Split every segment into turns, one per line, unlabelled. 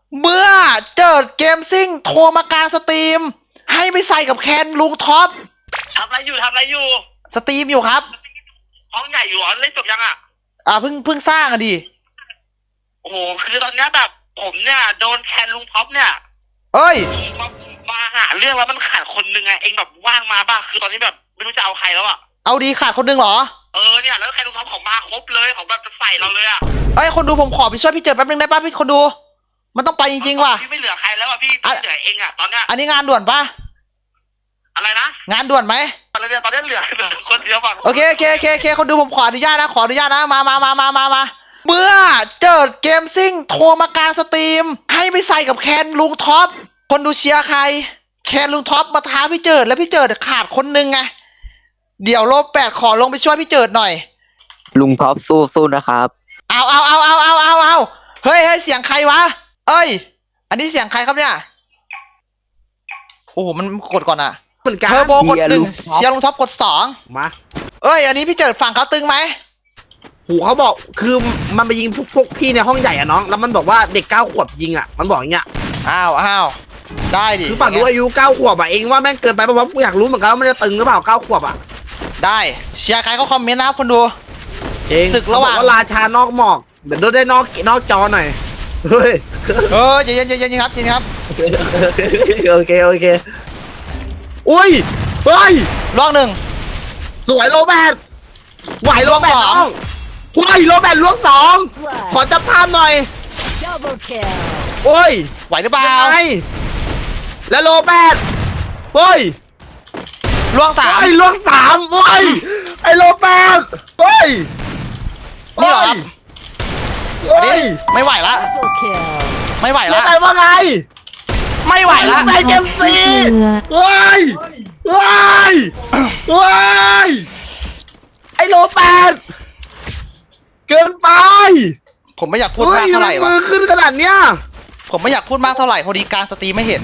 เมื่อเจิดเกมซิ่งโทรมากลางสตรีมให้ไปใส่กับแคนลุงท็อป
ทำอะไรอยู่
สตรีมอยู่ครับ
ห้องใหญ่อยู่เล่นจบยัง
เพิ่งสร้างดิ
โอ้โหคือตอนนี้แบบผมเนี่ยโดนแคนลุงท็อปเนี่ย
เอ้ย
มาหาเรื่องแล้วมันขาดคนนึงไงเองแบบว่างมาบ้างคือตอนนี้แบบไม่รู้จะเอาใครแล้ว
เอาดีขาดคนนึงเหรอ
เนี่ยแล้วแคนลุงท็อปของมาครบเลยของแบบใส่เราเลย
คนดูผมขอไปช่วยพี่เจิดแป๊บนึงได้ป่ะพี่คนดูมันต้องไปจริงๆว่ะ
พี่ไม่เหลือใครแล้วพี่เหลือเองตอนเนี้ย
อันนี้งานด่วนป่ะ
อะไรนะ
งานด่วนไหม
อะไรเนี่ยตอนนี้เหลือคนเดียวฝั่ง
โอเคคนดูผมขออนุญาตนะมาเมื่อเจิดเกมซิ่งโทรมากลางสตรีมให้ไปใส่กับแคนลุงท็อปคนดูเชียร์ใครแคนลุงท็อปมาท้าพี่เจิดแล้วพี่เจิดขาดคนนึงไงเดี๋ยวโล8ขอลงไปช่วยพี่เจิดหน่อย
ลุงท็อปสู้นะครับ
เอาเฮ้ยเสียงใครวะเอ้ยอันนี้เสียงใครครับเนี่ยโอ้โหมันกดก่อนอะเทอร์โบกด1เชียร์ลุงท็อปกด2
มา
อันนี้พี่เจิดฝั่งเขาตึงไหม
หูเขาบอกคือมันไปยิงพวกพี่ในห้องใหญ่น้องแล้วมันบอกว่าเด็ก9 ขวบยิงมันบอกอย่างเงี้ย
อ้าวได้ดิ
คือฝั่งรู้อายุ9 ขวบเองว่าแม่งเกินไปเพราะว่าอยากรู้เหมือนกันว่ามันจะตึงหรือเปล่า9 ขวบ
ได้เชียร์ใครเขาคอมเมนต์นะครับคนดูศึกระหว่าง
ราชานอกหมอกเดี๋ยวได้นอกจอหน่อยเฮ้ย
เย็นครับ
โอเคอุ้ยเฮ้ย
ล่วง
1สวยโรแบทไหวโรแบทน้องไหวโรแบทล่วง2ขอจับภาพหน่อยโอ้ย
ไหวหรือเปล่า
แล้วโรแบทเฮ้ย
ล่วง3
ล่วง3เฮ้ยไอ้โรแบทเฮ้ย
นี่เหรอครับไม่ไหวละไม่ไหวละ
ว่าไง
ไม่ไหวละ
ไปเกมซีเฮ้ยไอ้โรแบทเกินไป
ผมไม่อยากพูดมากเท่าไหร่วะ
มือขึ้นขนาดเนี้ย
ผมไม่อยากพูดมากเท่าไหร่พอดีการสตรีมไม่เห็น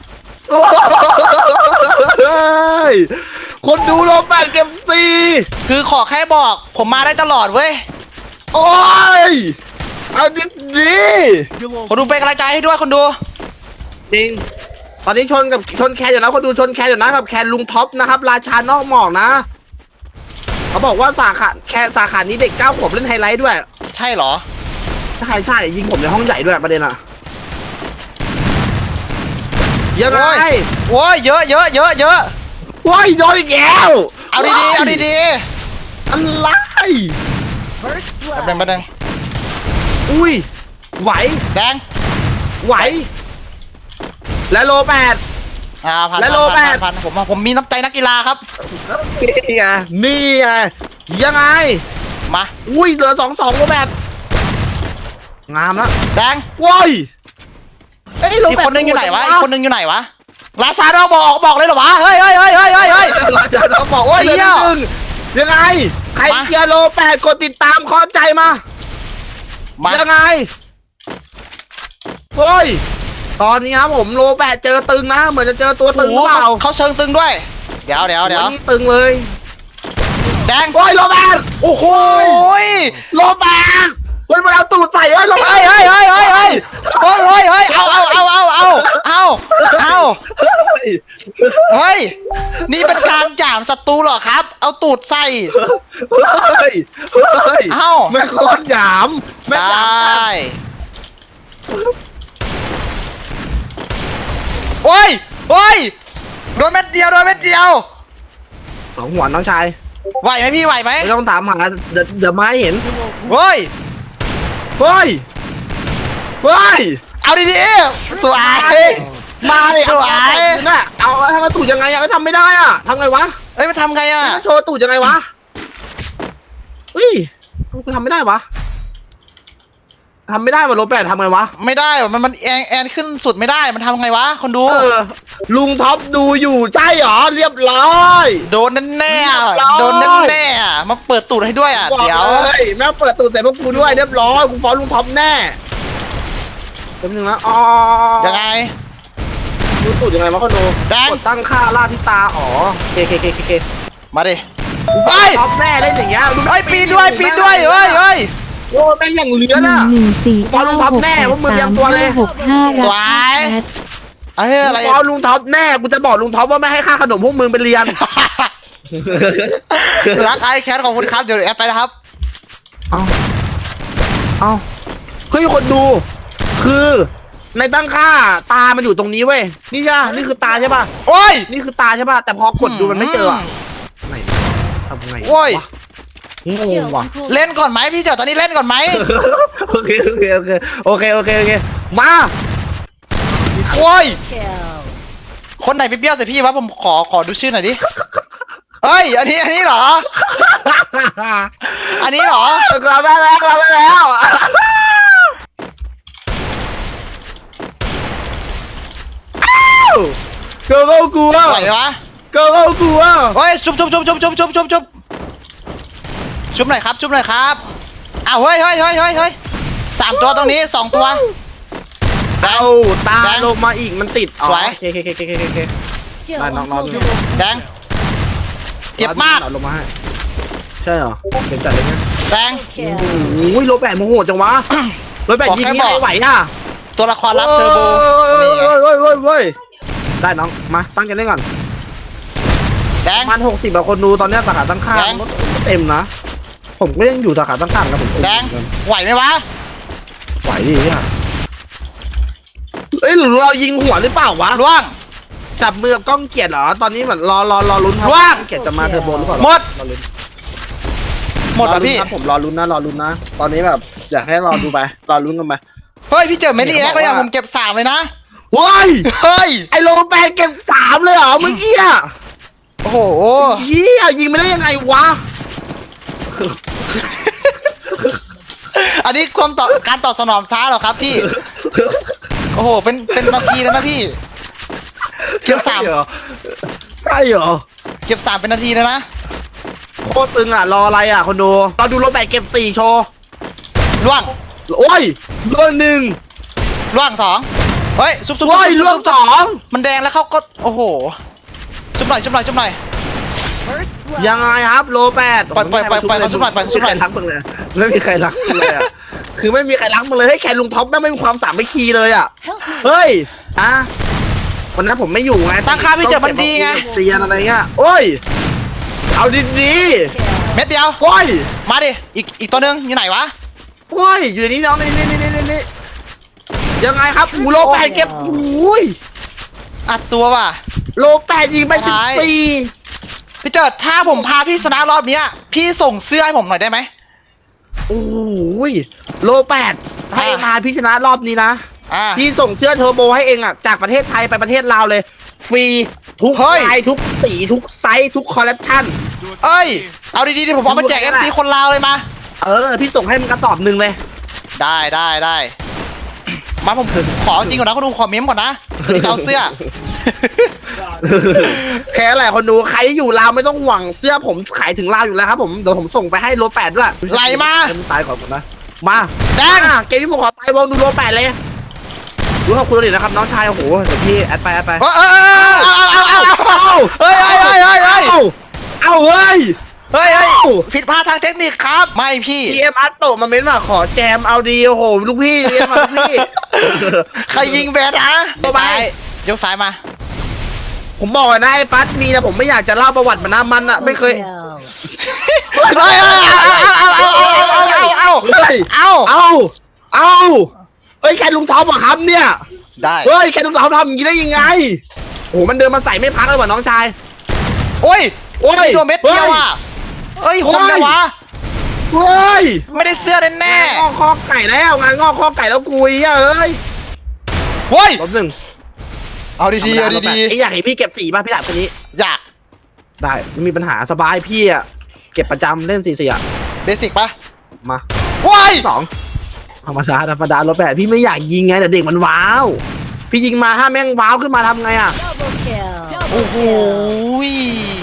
คนดูโรแบทเกมซี
คือขอแค่บอกผมมาได้ตลอดเว้ย
โอ้ยเอาดิ
คนดูเป็นกำลังใจให้ด้วยคนดู
จริงตอนนี้ชนแคนอยู่นะคนดูชนแคนอยู่นะกับแคนลุงท็อปนะครับราชานอกหมอกนะเขาบอกว่าสาขานี้เด็ก9 ขวบเล่นไฮไลท์ด้วย
ใช่เหรอ
ใช่ยิงผมในห้องใหญ่ด้วยประเด็นยังไง
โว้ยเยอะ
โว้ยโดนอีกแล้ว
เอาดี
อะไร
บัง
อุ้ยไหว
แดง
ไหวและโล8
และโล8ผมมีน้ำใจนักกีฬาครับ
นี่ไงยังไง
มา
อุ้ยเหลือ2-2โล8งามแล้ว
แดง
โว้ย
อีกคนนึงอยู่ไหนวะราชาดาวบอกเลยเหรอวะเฮ้ย
ราชาดาวบอกว่าเดี๋ยวยังไงใครเชียร์โล8กดติดตามขอใจมายังไงเฮ้ยตอนนี้ครับผมโล8เจอตึงนะเหมือนจะเจอตัวตึงหรือเปล่า
เขาเชิงตึงด้วยเดี๋ยว
นี่ตึงเลย
แดง
โอ้ยโล8
โอ้โห
โล8คนมาเอาตูดใส่เฮ้ย
เอาเฮ้ยนี่เป็นการหยามศัตรูเหรอครับเอาตูดใส่
ไม่โคตรหยาม
ได้โอ้ยโดนเม็ดเดียว
2 หัวน้องชาย
ไหวไหมพี่ไหวไหม
ไม่ต้องถามหาเดี๋ยวมาให้เห็น
เฮ้ยเอาดีๆสวย
มาเลยสวยน่ะเอาทำกระตูดยังไงก็ทำไม่ได้ทำไงวะ
มันทำไง
โชว์ตูดยังไงวะทำไม่ได้วะทำไม่ได้มาโรแบททำไงวะ
ไม่ได้มันแอนขึ้นสุดไม่ได้มันทำไงวะคนดู
ลุงท็อปดูอยู่ใช่หรอเรียบร้อย
โดนแน่มาเปิดตูดให้ด้วยเดี๋ยว
แม่เปิดตูดใส่พวกกูด้วยเรียบร้อยกูฟ้องลุงท็อปแน่แป๊บนึงนะ
ยังไง
ดูตูดยังไงมาคนดูกดตั้งค่าล่าที่ตาเคมา
ดิ
ท็อปแน่เล่นอย่างเงี้ย
ปีนด้วยเฮ้ย
อ้แม่งอย่างเหลือน่ะ
114
บอลลุงท็อปแน่พวกมึงเตรียมตัวเลย
65
สวย เอ้ยอะไร
บอลลุงท็อปแน่กูจะบอกลุงท็อปว่าไม่ให้ค่าขนมพวกมึงไปเรียน
รักไอแคทของคุณครับเดี๋ยวแอดไปนะครับ
เอาเฮ้ยคนดู คือในตั้งค่าตามันอยู่ตรงนี้เว้ยนี่ใช่ปะนี่คือตาใช่ป่ะ
โอ้ย
นี่คือตาใช่ป่ะแต่พอกดดูมันไม่เจออะไหนทำไง
โอ้ย
วะงงว่ะ
เล่นก่อนไหมพี่เจ๋อตอนนี้เล่นก่อนไหม
โอเคมา
โอ้ยคนไหนไปเบี้ยวใส่พี่วะผมขอดูชื่อหน่อยดิเอ้ยอันนี้เหรอ อันนี้เหรอ
เราได้แล้วเกิร์ลกลัว
ไหววะ
เกิร์ลกลัว
เฮ้ยชุบหน่อยครับชุบหน่อยครับอ้าวเฮ้ย3 ตัวตรงนี้2 ตัว
เอาตาลงมาอีกมันติดอ๋อ
สวย
โอเคได้น้องดู
แดงเจ็บมาก
ลงมาให้ใช่เหรอเจ็บจัดเลยเนี่ย
แดง
โอ้ยโรแบต์โมโหจังวะโรแบต์ยิงนี่ไม่ไหวอ่ะ
ตัวละครลับเทอร์โบนี่ไง
เว้ยได้น้องมาตั้งกันได้ก่อน
แดง
ประมาณ60บาทคนดูตอนนี้สาขาตั้งค่า
แดง
รถเต็มนะผมก็ยังอยู่สาขาตั้งค่านะผม
แดงไหวไหมวะ
ไหวดิเนี่ยเอ้ยหรือเรายิงหัวหรือเปล่าวะ
ล่วง
จับมือกับกล้องเกียรติเหรอตอนนี้เหมือนรอลุ้นครับ
ว่าง
กล้องเกียรติจะมาเทอร์โบหรือเปล่า
หมด
รอลุ้น
หมดแล้วพี่
รอลุ้นครับผมรอลุ้นนะ ตอนนี้แบบอยากให้รอดูไปรอลุ้นกันไป
เฮ้ยพี่เจอเมลี่แอคเลยอะผมเก็บ3เลยนะ
เฮ้ย
เฮ้ย
ไอโรแบตเก็บ3เลยเหรอเมื่อกี้อ่ะ
โอ้โห
เฮียยิงไม่ได้ยังไงวะ
อันนี้การตอบสนองช้าเหรอครับพี่ โอ้โห เป็นนาทีแล้วนะพี่ เก็บ
ใช่เหรอใช่เหรอ
เก็บ3เป็นนาทีแล้วนะ
โคตรตึงอ่ะรออะไรอ่ะคนดูรอดูโรแบตเก็บ4โชว์
ล่วง
โอ้ยล่วง1
ล่วง2เฮ้ยซุบ
โอ้ยล่วง2
มันแดงแล้วเขาก็โอ้โหชุบหน่อย
ยังไงครับโรแบต
ปล่อยเขาชุบหน่อย
ไม่มีใครรักมึงเลยไม่มีใครรักมึงเลยอ่ะคือไม่มีใครรักมึงเลยให้แคนลุงท็อปไม่มีความสามัคคีเลยอ่ะเฮ้ยอ่ะวันนั้นผมไม่อยู่ไง
ตั้งค่าพี่เจอมันดีไง
เตียนอะไรเงี้ยโอ้ยเอาดี
เม็ดเดียว
ๆโอ้ย
มาดิอีกตัวหนึงอยู่ไหนวะ
โอ้ยอยู่ในนี้น้องนี่ยังไงครับโลแปดเก็บโอ้ย
อัดตัวว่ะ
โลแปดยิงไป
ท้าย
14
พี่เจิดถ้าผมพาพี่ชนะรอบเนี้ยพี่ส่งเสื้อให้ผมหน่อยได้ไหม
โอ้ยโลแปดถ้าเองพาพี่ชนะรอบนี้นะ พี่ส่งเสื้อเทอร์โบให้เองอ่ะจากประเทศไทยไปประเทศลาวเลย ฟรีทุก
เฮ้ย
ลายทุกสีทุกไซส์ทุกคอลเลคชัน
เอ้ย เอาดีๆดิผมเอามาแจก FC คนลาวเลยมา
พี่ส่งให้มันกระสอบหนึ่งเลย
ได้มาผมขอจริงก่อนนะคุณดูขอเม้มก่อนนะที่จะเอาเสื้อ
แค่แหละคนดูใครที่อยู่ลาวไม่ต้องหวังเสื้อผมขายถึงลาวอยู่แล้วครับผมเดี๋ยวผมส่งไปให้โลแปดด้วย
ไหลมา
ให้นตายก่อนผมนะมา
แดง
เกมที่ผมขอตายวงดูโลแปดเลยรู้ขอบคุณเลยนะครับน้องชายโอ้โหเดี๋ยวพี่แอดไป
เอาเฮ้ย
เอาเฮ้ย
ผิดพลาดทางเทคนิคครับ ไม่พี่
GM อัตโตมาเม้นว่าขอแจมเอาดีโอ้โหลูกพี่เรียนมาลูกพี่
ใครยิงแบดนะ
ตัวไป
ซ้ายยกซ้ายมา
ผมบอกเลยนะไอ้ปัสมีนะผมไม่อยากจะเล่าประวัติมันนะมันอะไม่เคย
เฮ้ยเอา
เฮ้ยเฮ้ยแค่ลุงท็อปเหรอครับเนี่ย
ได้
เฮ้ยแค่ลุงท็อปทำอย่างนี้ได้ยังไงโอ้โหมันเดินมาใส่ไม่พักเลยว่ะน้องชาย
โอ้ย
โอ้ย
โดนเม็ดเดียวอ่ะเอ้ยคมจังวะ
เฮ้ย
ไม่ได้เสื้อแน่
งอกข้อไก่แล้วงานงอกข้อไก่แล้วกุยเอ้ย
เฮ้ย
ลบหนึ่ง
เอาดีๆ
ไอ้อยากเห็นพี่เก็บสีป่ะพี่ดาบคนนี้
อยาก
ได้ไม่มีปัญหาสบายพี่อะเก็บประจำเล่น4-4อะ
เบสิกปะ
มา
ว้าย
2ธรรมดารถแบบพี่ไม่อยากยิงไงแต่เด็กมันว้าวพี่ยิงมาถ้าแม่งว้าวขึ้นมาทำไงอะ
โอ้โห